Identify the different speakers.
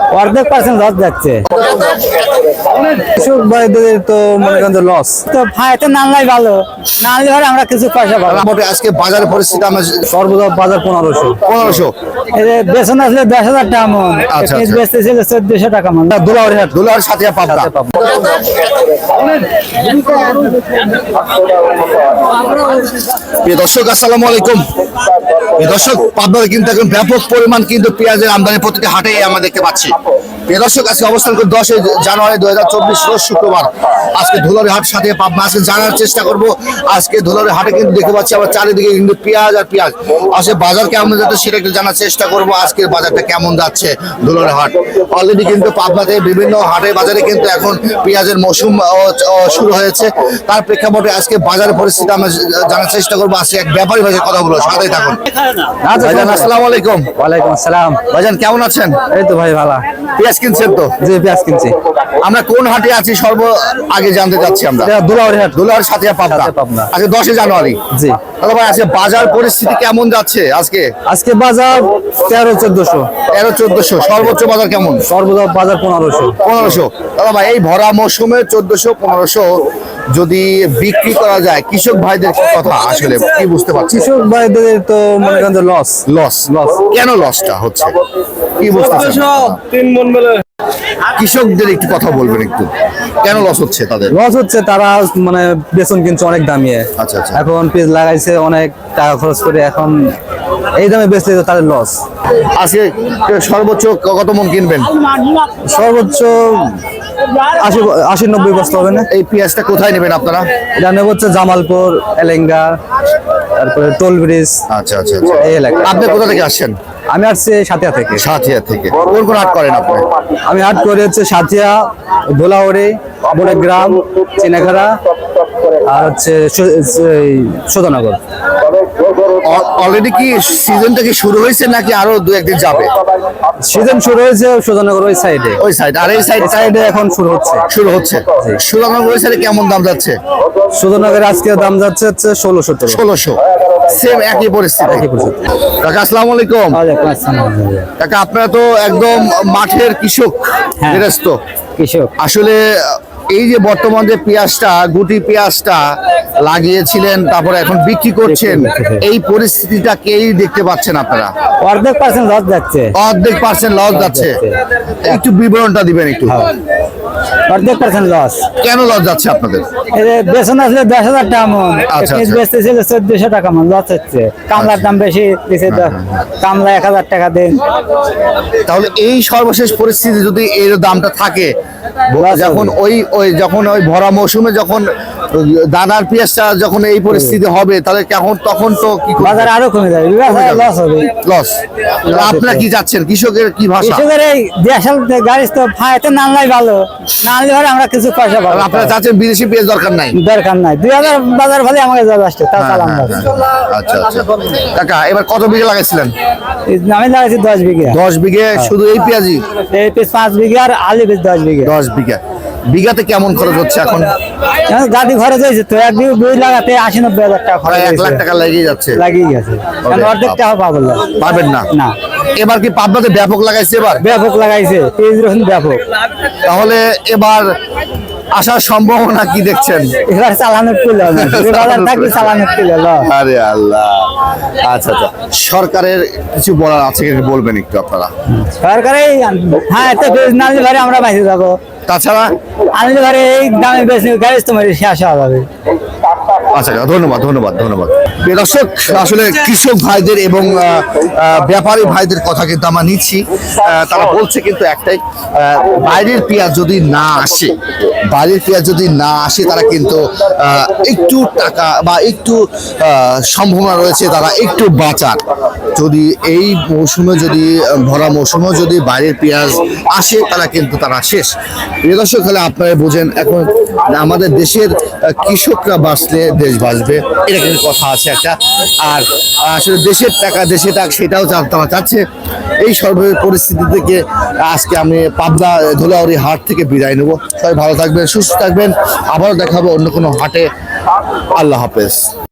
Speaker 1: অর্ধেক percent loss যাচ্ছে। কৃষক ভাইদের তো মনে করেন যে লস, তো ফায়তে না আনলেই ভালো, না আনলে পরে আমরা কিছু পয়সা পাবো।
Speaker 2: মোটামুটি আজকে বাজারের পরিস্থিতি আমরা
Speaker 1: সর্বদা বাজার 1500
Speaker 2: 1500
Speaker 1: বেতন আসলে 10,000 টাকা মন,
Speaker 2: আচ্ছা,
Speaker 1: পিস
Speaker 2: আচ্ছা।
Speaker 1: বেচতেছিল 1400 টাকা মন।
Speaker 2: দুলার সাথে পাবনা। প্রিয় দর্শক আসসালামু আলাইকুম। প্রিয় দর্শক, পাবনাতে কিন্তু এখন ব্যাপক পরিমাণ কিন্তু পেঁয়াজের আমদানি প্রতিটি হাটে আমরা দেখতে পাচ্ছি। প্রিয় দর্শক, আজকে অবস্থান করে 10 জানুয়ারি 2024 রোজ শুক্রবার। আজকে ধুলারি হাট সাথে পাবনা আজকে জানার চেষ্টা করব। আজকে ধুলারি হাটে কিন্তু দেখতে পাচ্ছি আবার চারিদিকে কিন্তু পেঁয়াজ আর পেঁয়াজ। আসলে বাজার কেমন যাচ্ছে সেটা একটু জানার চেষ্টা করব। আজকের বাজারটা কেমন যাচ্ছে ধুলারি হাট। অলরেডি কিন্তু পাবনাতে বিভিন্ন হাটে বাজারে কিন্তু এখন পেঁয়াজের মৌসুম শুরু হয়েছে। তার প্রেক্ষাপটে আজকে বাজারের পরিস্থিতি আমরা জানার চেষ্টা করবো। আজকে এক ব্যাপারী ভাইয়ের কথা বলবো, সাথেই থাকুন। ভাইজান আসসালামু আলাইকুম।
Speaker 1: ওয়ালাইকুম আসসালাম।
Speaker 2: ভাইজান কেমন আছেন?
Speaker 1: এই তো ভাই ভালো।
Speaker 2: পেঁয়াজ কিনছেন তো?
Speaker 1: জি পেঁয়াজ কিনছি।
Speaker 2: আমরা কোন হাটে আছি আগে জানতে চাচ্ছি আমরা।
Speaker 1: দুলাউরি হাট।
Speaker 2: দুলার সাথে পাবনা।
Speaker 1: পাবনা।
Speaker 2: আজকে 10 জানুয়ারি।
Speaker 1: জি।
Speaker 2: দাদা ভাই, আজকে বাজার পরিস্থিতি কেমন যাচ্ছে?
Speaker 1: আজকে বাজার 1300-1400।
Speaker 2: 1300-1400। সর্বোচ্চ বাজার কেমন?
Speaker 1: সর্বদা বাজার 1500।
Speaker 2: দাদা ভাই, এই ভরা মৌসুমে 1400-1500 যদি বিক্রি করা যায়, কৃষক ভাইদের কি কথা আসলে কি বুঝতে পারছি?
Speaker 1: কৃষক ভাইদের তো মনে করেন যে লস।
Speaker 2: কেন লসটা হচ্ছে কি বুঝতেছেন? কৃষকদের একটু কথা বলবেন একটু, কেন লস হচ্ছে তাদের?
Speaker 1: লস হচ্ছে তারা মানে বেতন কিনছে অনেক দামিয়ে।
Speaker 2: আচ্ছা আচ্ছা।
Speaker 1: এখন পেজ লাগাইছে অনেক টাকা খরচ করে, এখন এই দামে বেচলে তো তাদের লস।
Speaker 2: আজকে সর্বোচ্চ কত মন কিনবেন?
Speaker 1: সর্বোচ্চ 80-90 বস্তা হবে না?
Speaker 2: এই পেঁয়াজটা কোথায় নেবেন আপনারা?
Speaker 1: এটা নেব হচ্ছে জামালপুর, এলেঙ্গা, তারপরে টোল ব্রিজ।
Speaker 2: আচ্ছা আচ্ছা।
Speaker 1: এই এলাকা।
Speaker 2: আপনি কোথা থেকে আসছেন?
Speaker 1: আমি আসছি সাথিয়া থেকে।
Speaker 2: সাথিয়া থেকে। কোন হাট করেন আপনি?
Speaker 1: আমি হাট করে হচ্ছে সাথিয়া, ধুলাউড়ি, বড়গ্রাম, চিনাখাড়া আর হচ্ছে সুধানগর।
Speaker 2: অলরেডি কি সিজনটা কি শুরু হয়েছে নাকি আরো 2-1 দিন যাবে?
Speaker 1: সিজন শুরু হয়েছে সুধানগর ওই সাইডে।
Speaker 2: আর এই
Speaker 1: সাইডে এখন শুরু হচ্ছে।
Speaker 2: সুধানগর ওই সাইডে কেমন দাম যাচ্ছে?
Speaker 1: সুধানগরের আজকে দাম যাচ্ছে হচ্ছে 1600।
Speaker 2: সেম একই পরিস্থিতি। কাকা আসসালামু আলাইকুম। কাকা, আপনারা তো একদম মাঠের কৃষক, গৃহস্থ
Speaker 1: কৃষক।
Speaker 2: আসলে এই যে বর্তমান যে পেঁয়াজটা, গুটি পেঁয়াজটা লাগিয়েছিলেন, তারপরে এখন বিক্রি করছেন, এই পরিস্থিতিটা কেই দেখতে পাচ্ছেন আপনারা?
Speaker 1: অর্ধেক পার্সেন্ট লস যাচ্ছে।
Speaker 2: একটু বিবরণটা দিবেন একটু।
Speaker 1: অর্ধেক পার্সেন্ট লস।
Speaker 2: কেন লস যাচ্ছে আপনাদের?
Speaker 1: বেতন আসলে 10,000 টাকা মন,
Speaker 2: আচ্ছা,
Speaker 1: পিস
Speaker 2: আচ্ছা।
Speaker 1: বেচতেছিল 1400 টাকা মন, লস হচ্ছে। কামলার দাম বেশি দিছে, কামলা 1000 টাকা দেন।
Speaker 2: তাহলে এই সর্বশেষ পরিস্থিতি যদি এর দামটা থাকে, যখন যখন ওই ভরা মৌসুমে যখন দানার পেঁয়াজটা যখন এই পরিস্থিতি হবে, তাহলে তখন তো কি
Speaker 1: বাজার আরো কমে যাবে, লস হবে।
Speaker 2: আপনারা কি যাচ্ছেন? কৃষকের কি ভাষা?
Speaker 1: কৃষকের এই দেশাল গাড়ি তো ফায়তে না আনলেই ভালো, না আনলে পরে আমরা কিছু পয়সা পাবো।
Speaker 2: আপনারা চাচ্ছেন বিদেশি পেঁয়াজ দরকার নাই?
Speaker 1: 2000 বাজার ভালো আমাকে যথেষ্ট।
Speaker 2: আচ্ছা আচ্ছা। কাকা, এবার কত বিঘা লাগাইছিলেন?
Speaker 1: আমি লাগাইছি 10 বিঘা।
Speaker 2: 10 বিঘে শুধু এই পেঁয়াজি?
Speaker 1: এই পিস 5 বিঘা আর আলু পিস 10 বিঘা।
Speaker 2: 10 বিঘা। বিঘাতে কেমন খরচ হচ্ছে এখন?
Speaker 1: গাড়ি খরচ হয়েছে তো, এক বিঘা বই লাগাতে 80-90 হাজার টাকা খরচ।
Speaker 2: 1 লাখ টাকা লেগে যাচ্ছে।
Speaker 1: লাগিয়ে গেছে, অর্ধেক টাকা পাবেন
Speaker 2: না।
Speaker 1: না।
Speaker 2: এবার কি পাবনাতে ব্যাপক লাগাইছে?
Speaker 1: ব্যাপক লাগাইছে, পেঁয়াজ রসুন ব্যাপক।
Speaker 2: তাহলে এবার আসার সম্ভাবনা কি দেখছেন?
Speaker 1: এবার চালানোর তুলে বাজার থাকলে চালানোর তুলে।
Speaker 2: আরে আল্লাহ। আচ্ছা আচ্ছা। সরকারের কিছু বলার আছে কি বলবেন একটু আপনারা?
Speaker 1: সরকারে এত পেঁয়াজ না আনলে পরে আমরা বাইরে যাবো,
Speaker 2: তাছাড়া
Speaker 1: আনলে পরে এই দামে বেশি গাড়ি তোমার শেষ হওয়া যাবে।
Speaker 2: আচ্ছা, ধন্যবাদ। প্রিয় দর্শক, আসলে কৃষক ভাইদের এবং ব্যাপারী ভাইদের কথা কিন্তু আমরা নিচ্ছি। তারা বলছে কিন্তু একটাই, বাইরের পেঁয়াজ যদি না আসে, তারা কিন্তু একটু টাকা বা একটু সম্ভাবনা রয়েছে তারা একটু বাঁচার। যদি এই মৌসুমে ভরা মৌসুমে যদি বাইরের পেঁয়াজ আসে, তারা শেষ। প্রিয় দর্শক, তাহলে আপনারা বোঝেন, এখন আমাদের দেশের কৃষকরা বাঁচলে দেশ বাঁচবে, এটা কিন্তু কথা আছে একটা। আর আসলে দেশের টাকা দেশে থাক, সেটাও তারা চাচ্ছে। এই সর্বশেষ পরিস্থিতি থেকে আজকে আমি পাবনা ধুলাউড়ি হাট থেকে বিদায় নেব। সবাই ভালো থাকবেন, সুস্থ থাকবেন। আবারও দেখাবো অন্য কোনো হাটে। আল্লাহ হাফেজ।